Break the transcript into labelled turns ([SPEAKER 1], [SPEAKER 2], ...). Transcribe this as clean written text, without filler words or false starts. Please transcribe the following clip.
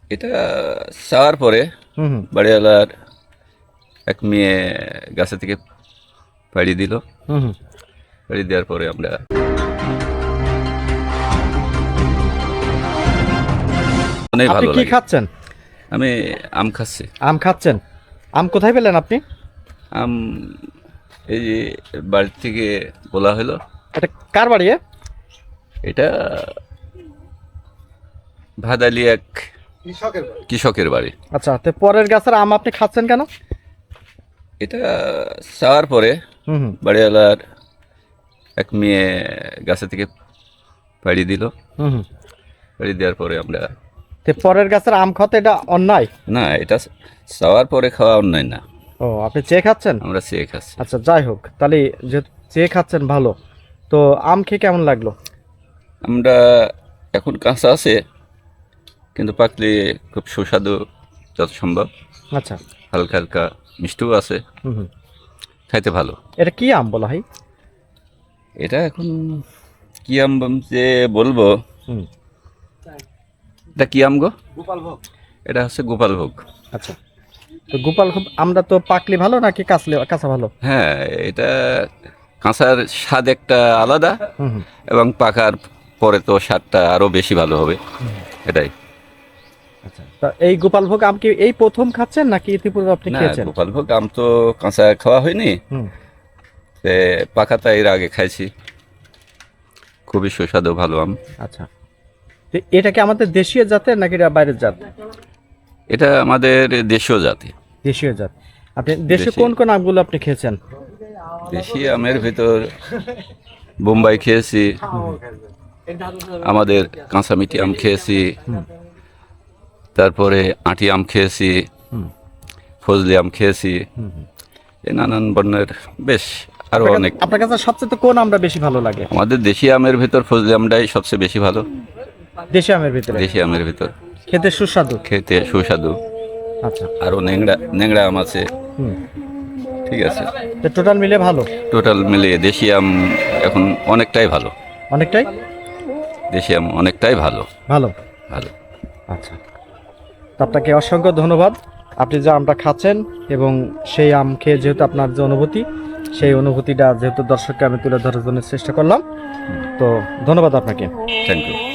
[SPEAKER 1] এটা চাওয়ার পরে বাড়িওয়ালার এক মেয়ে গাছে থেকে পাড়ি দিল। পাড়ি দেওয়ার পরে আমরা অনেক
[SPEAKER 2] আপনি
[SPEAKER 1] ভালো
[SPEAKER 2] কি
[SPEAKER 1] লাগে।
[SPEAKER 2] খাচ্ছেন?
[SPEAKER 1] আমি আম খাচ্ছি।
[SPEAKER 2] আম খাচ্ছেন? আম কোথায় পেলেন আপনি?
[SPEAKER 1] আম এই যে বাড়ি থেকে বলা হলো।
[SPEAKER 2] এটা কার বাড়ি?
[SPEAKER 1] এটা ভাদালি এক কৃষকের বাড়ি।
[SPEAKER 2] আচ্ছা, তো পরের গাছের আম আপনি খাচ্ছেন কেন?
[SPEAKER 1] এটা চাওয়ার পরে বাড়িওয়ালার এক মেয়ে গাছে থেকে পাড়ি দিল। পাড়ি দেওয়ার পরে আমরা
[SPEAKER 2] তো পরের গাছের আম খাওয়াতে এটা অন্যায়?
[SPEAKER 1] না, এটা চাওয়ার পরে খাওয়া অন্যায় না,
[SPEAKER 2] ও, আপনি চেয়ে খাচ্ছেন?
[SPEAKER 1] আমরা চেয়ে খাচ্ছি।
[SPEAKER 2] আচ্ছা, যাই হোক, তাহলে যে চেয়ে খাচ্ছেন ভালো। তো আম খেয়ে কেমন লাগলো?
[SPEAKER 1] আমরা এখন কাঁচা আছে, কিন্তু পাকলে খুব সুস্বাদু যত সম্ভব।
[SPEAKER 2] আচ্ছা,
[SPEAKER 1] হালকা হালকা মিষ্টিও আছে, খাইতে ভালো।
[SPEAKER 2] এটা কি আম বলা হয়?
[SPEAKER 1] এটা এখন কি আম যে বলবো, এটা কি আম গো?
[SPEAKER 2] গোপালভোগ।
[SPEAKER 1] এটা হচ্ছে গোপালভোগ।
[SPEAKER 2] আচ্ছা, তো গোপালভোগ আমরা তো পাকলে ভালো নাকি কাঁচা ভালো?
[SPEAKER 1] হ্যাঁ, এটা কাঁচার স্বাদ একটা আলাদা, এবং পাকার পরে তো স্বাদটা আরো বেশি ভালো হবে, এটাই।
[SPEAKER 2] আচ্ছা, তা এই গোপালভোগ আম কি এই প্রথম খাচ্ছেন নাকি ইতিপূর্বে আপনি
[SPEAKER 1] না,
[SPEAKER 2] খেয়েছেন?
[SPEAKER 1] গোপালভোগ আম তো কাঁচা খাওয়া হয়নি, পাকাটা এর আগে খাইছি। খুবই সুস্বাদু, ভালো আম।
[SPEAKER 2] আচ্ছা, তো এটা কি আমাদের দেশীয় জাতের নাকি এটা বাইরের জাত?
[SPEAKER 1] এটা আমাদের দেশীয় জাতি।
[SPEAKER 2] দেশীয় জাত। আপনি দেশীয়
[SPEAKER 1] দেশীয়।
[SPEAKER 2] কোন কোন আমগুলো আপনি খেয়েছেন?
[SPEAKER 1] দেশি আমের ভিতর বোম্বাই খেয়েছি, আমাদের কাঁচামিটি আম খেয়েছি, তারপরে আঁটি আম খেয়েছি, ফজলি আম খেয়েছি, এই নানান বর্ণের বেশ আরো অনেক।
[SPEAKER 2] আপনার কাছে সবচেয়ে কোন আমটা বেশি ভালো লাগে?
[SPEAKER 1] আমাদের দেশি আমের ভিতর ফজলি আমটাই সবচেয়ে বেশি ভালো।
[SPEAKER 2] দেশি আমের ভিতরে
[SPEAKER 1] দেশি আমের ভিতর
[SPEAKER 2] খেতে সুস্বাদু।
[SPEAKER 1] খেতে সুস্বাদু।
[SPEAKER 2] আচ্ছা,
[SPEAKER 1] আরো ন্যাংরা আম আছে। ঠিক আছে,
[SPEAKER 2] তো টোটাল মিলে ভালো?
[SPEAKER 1] টোটাল মিলিয়ে দেশি আম এখন অনেকটাই ভালো।
[SPEAKER 2] অনেকটাই
[SPEAKER 1] দেশি আম অনেকটাই ভালো।
[SPEAKER 2] ভালো।
[SPEAKER 1] ভালো।
[SPEAKER 2] আচ্ছা, তো আপনাকে অসংখ্য ধন্যবাদ। আপনি যে আমটা খাচ্ছেন এবং সেই আম খেয়ে যেহেতু আপনার যে অনুভূতি, সেই অনুভূতিটা যেহেতু দর্শককে আমি তুলে ধরার জন্য চেষ্টা করলাম, তো ধন্যবাদ আপনাকে।
[SPEAKER 1] Thank you.